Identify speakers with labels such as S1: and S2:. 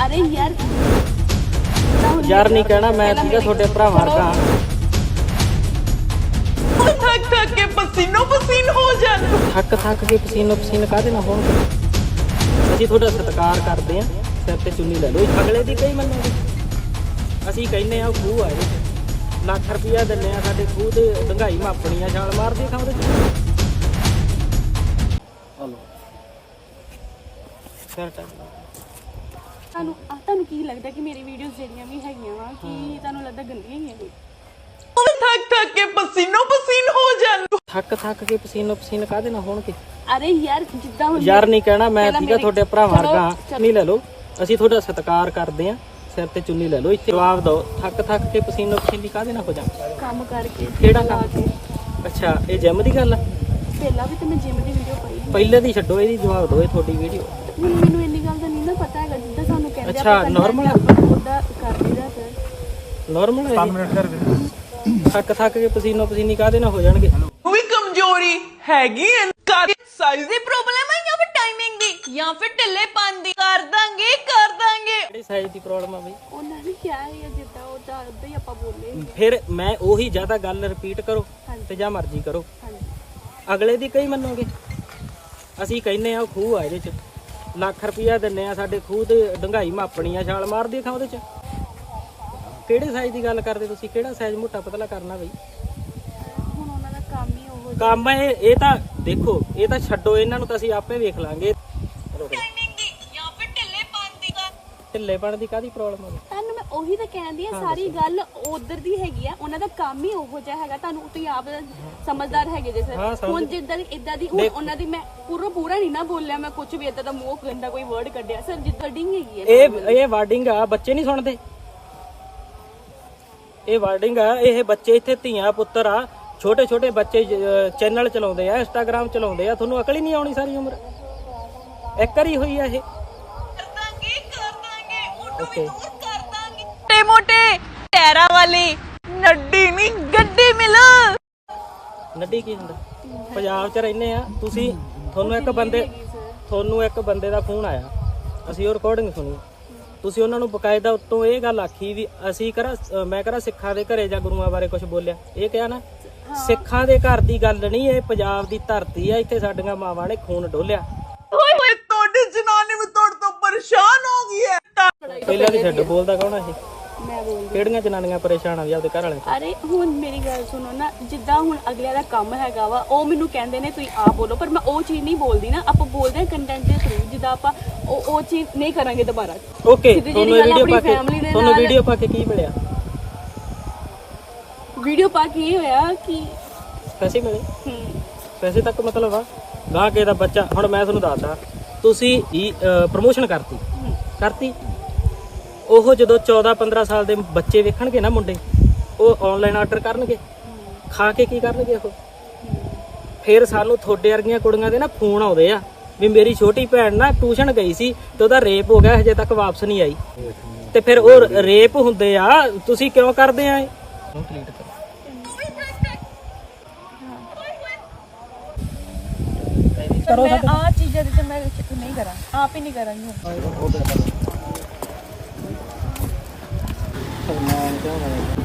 S1: अरे यार
S2: यार नहीं कहना, मैं ठीक है थोड़े भरा वर्गा।
S3: थक थक के पसीनो पसीन हो जाते।
S2: थक थक के पसीनो पसीन काहदे ना होणगे। ਅਸੀਂ ਤੁਹਾਡਾ ਸਤਿਕਾਰ ਕਰਦੇ ਆ, ਸਿਰ ਤੇ ਚੁੰਨੀ ਲੈ ਲਓ। ਅਗਲੇ ਦੀ ਕਈ ਮੰਨੋਗੇ, ਅਸੀਂ ਕਹਿੰਨੇ ਆ ਖੂਹ ਆ ਇਹਦੇ ਚ ਲੱਖ ਰੁਪਇਆ ਦਿੰਨੇ ਆ, ਸਾਡੇ ਖੂਹ ਤੇ ਡੰਗਾਈ ਮਾਪਣੀ ਆ, ਛਾਲ ਮਾਰਦੇ ਖਾਂ ਉਹਦੇ ਚ। ਹਲੋ ਸਿਰ
S1: ਤੁਹਾਨੂੰ ਕੀ ਲੱਗਦਾ ਕਿ ਮੇਰੀ ਵੀਡੀਓਜ਼ ਜਿਹੜੀਆਂ ਵੀ ਹੈਗੀਆਂ ਵਾ ਕਿ ਤੁਹਾਨੂੰ ਲੱਗਦਾ ਗੰਦੀਆਂ ਹੀ ਹੈਗੀਆਂ?
S3: थक थक के पसीनो पसीन हो जाते।
S2: ਥੱਕ ਥੱਕ ਕੇ ਪਸੀਨੋ ਪਸੀਨ ਕਾਹਦੇ ਨਾ ਹੋਣਗੇ।
S1: ਅਰੇ ਯਾਰ ਜਿੱਦਾਂ ਹੁਣ
S2: ਯਾਰ ਨਹੀਂ ਕਹਿਣਾ, ਮੈਂ ਠੀਕ ਆ ਤੁਹਾਡੇ ਭਰਾ ਵਰਗਾ। ਚੁੰਨੀ ਲੈ ਲਓ, ਅਸੀਂ ਤੁਹਾਡਾ ਸਤਿਕਾਰ ਕਰਦੇ ਆ, ਸਿਰ ਤੇ ਚੁੰਨੀ ਲੈ ਲਓ। ਇੱਥੇ ਜਵਾਬ ਦਿਓ, ਥੱਕ ਥੱਕ ਕੇ ਪਸੀਨੋ ਪਸੀਨੀ ਕਾਹਦੇ ਨਾ ਹੋ ਜਾ।
S1: ਕੰਮ ਕਰਕੇ
S2: ਕਿਹੜਾ ਕੰਮ? ਅੱਛਾ, ਇਹ ਜਿਮ ਦੀ ਗੱਲ ਆ?
S1: ਪਹਿਲਾਂ ਵੀ ਤੇ ਮੈਂ ਜਿਮ ਦੀ ਵੀਡੀਓ ਪਾਈ।
S2: ਪਹਿਲੇ ਦੀ ਛੱਡੋ, ਇਹਦੀ ਜਵਾਬ ਦਿਓ। ਇਹ ਤੁਹਾਡੀ ਵੀਡੀਓ
S1: ਮੈਨੂੰ ਇੰਨੀ ਗੱਲ ਦਾ ਨਹੀਂ ਨਾ ਪਤਾ ਹੈਗਾ, ਜਿੱਦਾਂ ਸਾਨੂੰ ਕਹਿੰਦੇ
S2: ਅੱਛਾ ਨਾਰਮਲ ਆ?
S1: ਉਹਦਾ ਕਰ ਦਈਦਾ ਸਰ।
S2: ਨਾਰਮਲ ਹੈ 5 ਮਿੰਟ ਕਰ। ਥੱਕ ਥੱਕ ਕੇ ਪਸੀਨੋ ਪਸੀਨੀ ਕਾਹਦੇ ਨਾ ਹੋ ਜਾਣਗੇ।
S3: वो भी कमजोरी हैगी है, साइज दी प्रॉब्लम है या फिर टाइमिंग दी या फिर ढिल्लेपन दी। कर दांगे
S2: ਕਿਹੜੀ ਸਾਈਜ਼ ਦੀ ਪ੍ਰੋਬਲਮ ਆ ਬਈ?
S1: ਉਹਨਾਂ ਨੇ ਕਿਹਾ ਹੈ ਜਿੱਦਾਂ ਉਹ ਤਾਂ ਉਦਾਂ ਹੀ ਆਪਾਂ ਬੋਲੇ।
S2: ਫਿਰ ਮੈਂ ਉਹੀ ਜ਼ਿਆਦਾ ਗੱਲ ਰਿਪੀਟ ਕਰੋ ਤੇ ਜਾਂ ਮਰਜ਼ੀ ਕਰੋ, ਅਗਲੇ ਦੀ ਕਈ ਮੰਨੋਗੇ। ਅਸੀਂ ਕਹਿੰਨੇ ਆ ਖੂਹ ਆ ਇਹਦੇ ਚ ਲੱਖ ਰੁਪਇਆ ਦਿੰਨੇ ਆ, ਸਾਡੇ ਖੂਹ ਤੇ ਡੰਗਾਈ ਮਾਪਣੀ ਆ, ਛਾਲ ਮਾਰਦੀ ਖਾਂ ਉਹਦੇ ਚ। ਕਿਹੜੇ ਸਾਈਜ਼ ਦੀ ਗੱਲ ਕਰਦੇ ਤੁਸੀਂ? ਕਿਹੜਾ ਸਾਈਜ਼ ਮੋਟਾ ਪਤਲਾ ਕਰਨਾ ਬਈ?
S1: ਹੁਣ ਉਹਨਾਂ ਦਾ ਕੰਮ ਹੀ ਉਹ
S2: ਕੰਮ ਇਹ ਤਾਂ ਦੇਖੋ, ਇਹ ਤਾਂ ਛੱਡੋ, ਇਹਨਾਂ ਨੂੰ ਤਾਂ ਅਸੀਂ ਆਪੇ ਵੇਖ ਲਾਂਗੇ।
S3: टाइमिंग दी या फिर ढिल्लेपन दी।
S2: ਢਿੱਲੇਪਣ ਦੀ ਕਾਹਦੀ ਪ੍ਰੋਬਲਮ ਆ?
S1: ਤੁਹਾਨੂੰ ਮੈਂ ਉਹੀ ਤਾਂ ਕਹਿੰਦੀ ਆ, ਸਾਰੀ ਗੱਲ ਉਧਰ ਦੀ ਹੈਗੀ ਆ। ਉਹਨਾਂ ਦਾ ਕੰਮ ਹੀ ਉਹੋ ਜਿਹਾ ਹੈਗਾ, ਤੁਹਾਨੂੰ ਤੁਸੀਂ ਆਪ ਸਮਝਦਾਰ ਹੈਗੇ ਜੇ ਸਰ। ਹੁਣ ਜਿੱਦਾਂ ਇਦਾਂ ਦੀ ਹੁਣ ਉਹਨਾਂ ਦੀ ਮੈਂ ਪੂਰਾ ਨਹੀਂ ਨਾ ਬੋਲਿਆ, ਮੈਂ ਕੁਝ ਵੀ ਇਦਾਂ ਦਾ ਮੂੰਹ ਗੰਦਾ ਕੋਈ ਵਰਡ ਕੱਢਿਆ ਸਰ, ਜਿੱਦਾਂ ਡਿੰਗ ਹੈਗੀ ਹੈ।
S2: ਇਹ ਵਾਰਡਿੰਗ ਆ, ਬੱਚੇ ਨਹੀਂ ਸੁਣਦੇ। ਇਹ ਵਾਰਡਿੰਗ ਆ, ਇਹ ਬੱਚੇ ਇੱਥੇ ਧੀਆਂ ਪੁੱਤਰ ਆ, ਛੋਟੇ ਛੋਟੇ ਬੱਚੇ ਚੈਨਲ ਚਲਾਉਂਦੇ ਆ, ਇੰਸਟਾਗ੍ਰਾਮ ਚਲਾਉਂਦੇ ਆ। ਤੁਹਾਨੂੰ ਅਕਲ ਹੀ ਨਹੀਂ ਆਉਣੀ ਸਾਰੀ ਉਮਰ। ਇੱਕ ਵਾਰੀ ਹੋਈ ਆ ਇਹ।
S3: कर दांगे उनको
S2: ओके।
S3: भी दूर कर दांगे। मोटे मोटे टैरा वाली नड्डी नहीं गड्डी मिल।
S2: ਨੱਡੀ ਕੀ ਹੁੰਦਾ? ਪੰਜਾਬ 'ਚ ਰਹਿੰਦੇ ਆ ਤੁਸੀਂ, ਤੁਹਾਨੂੰ ਇੱਕ ਬੰਦੇ ਦਾ ਫੋਨ ਆਇਆ, ਅਸੀਂ ਉਹ ਰਿਕਾਰਡਿੰਗ ਸੁਣੀ। ਤੁਸੀਂ ਉਹਨਾਂ ਨੂੰ ਬਕਾਇਦਾ ਉੱਤੋਂ ਇਹ ਗੱਲ ਆਖੀ ਵੀ ਅਸੀਂ ਮੈਂ ਕਰਾਂ ਸਿੱਖਾਂ ਦੇ ਘਰੇ ਜਾਂ ਗੁਰੂਆਂ ਬਾਰੇ ਕੁਝ ਬੋਲਿਆ। ਇਹ ਕਿਹਾ ਨਾ, ਸਿੱਖਾਂ ਦੇ ਘਰ ਦੀ ਗੱਲ ਨਹੀਂ, ਇਹ ਪੰਜਾਬ ਦੀ ਧਰਤੀ ਆ, ਇੱਥੇ ਸਾਡੀਆਂ ਮਾਵਾਂ ਨੇ ਖੂਨ ਡੋਲਿਆ।
S3: ओए ओए तोड़े जनाने में तोड़ तो परेशान हो गई है।
S2: ਪਹਿਲਾਂ ਦੀ ਛੱਡ, ਬੋਲਦਾ ਕੌਣ ਆ ਇਹ?
S1: ਮੈਂ ਬੋਲਦੀ।
S2: ਕਿਹੜੀਆਂ ਜਨਾਨੀਆਂ ਪਰੇਸ਼ਾਨ ਆ ਵੀ ਆਪਦੇ ਘਰ ਵਾਲੇ?
S1: ਅਰੇ ਹੁਣ ਮੇਰੀ ਗੱਲ ਸੁਣੋ ਨਾ, ਜਿੱਦਾਂ ਹੁਣ ਅਗਲਿਆਂ ਦਾ ਕੰਮ ਹੈਗਾ ਵਾ, ਉਹ ਮੈਨੂੰ ਕਹਿੰਦੇ ਨੇ ਤੁਸੀਂ ਆਪ ਬੋਲੋ, ਪਰ ਮੈਂ ਉਹ ਚੀਜ਼ ਨਹੀਂ ਬੋਲਦੀ ਨਾ। ਆਪਾਂ ਬੋਲਦੇ ਹਾਂ ਕੰਟੈਂਟ ਦੇ ਥਰੂ, ਜਿੱਦਾਂ ਆਪਾਂ ਉਹ ਚੀਜ਼ ਨਹੀਂ ਕਰਾਂਗੇ ਦੁਬਾਰਾ।
S2: ਓਕੇ, ਤੁਹਾਨੂੰ ਵੀਡੀਓ ਪਾ ਕੇ ਕੀ ਮਿਲਿਆ?
S1: ਵੀਡੀਓ ਪਾ ਕੇ ਇਹ ਹੋਇਆ ਕਿ
S2: ਪੈਸੇ ਮਿਲੇ। ਪੈਸੇ ਤੱਕ ਮਤਲਬ ਆ ਗਾਹ ਕੇ ਦਾ ਬੱਚਾ। ਹੁਣ ਮੈਂ ਤੁਹਾਨੂੰ ਦੱਸਦਾ, ਤੁਸੀਂ ਪ੍ਰਮੋਸ਼ਨ ਕਰਤੀ। ਉਹ ਜਦੋਂ 14-15 ਸਾਲ ਦੇ ਬੱਚੇ ਵੇਖਣਗੇ ਨਾ ਮੁੰਡੇ, ਉਹ ਆਨਲਾਈਨ ਆਰਡਰ ਕਰਨਗੇ, ਖਾ ਕੇ ਕੀ ਕਰਨਗੇ ਉਹ? ਫਿਰ ਸਾਨੂੰ ਤੁਹਾਡੇ ਵਰਗੀਆਂ ਕੁੜੀਆਂ ਦੇ ਨਾ ਫੋਨ ਆਉਂਦੇ ਆ ਵੀ ਮੇਰੀ ਛੋਟੀ ਭੈਣ ਨਾ ਟਿਊਸ਼ਨ ਗਈ ਸੀ ਤੇ ਉਹਦਾ ਰੇਪ ਹੋ ਗਿਆ, ਹਜੇ ਤੱਕ ਵਾਪਸ ਨਹੀਂ ਆਈ। ਤੇ ਫਿਰ ਉਹ ਰੇਪ ਹੁੰਦੇ ਆ, ਤੁਸੀਂ ਕਿਉਂ ਕਰਦੇ ਆ ਇਹ?
S1: ਕਰੋ ਆ ਚੀਜ਼ਾਂ ਤੇ ਮੈਂ ਨਹੀਂ ਕਰਾਂ, ਆਪ ਹੀ ਨਹੀਂ ਕਰਾਂਗੀ।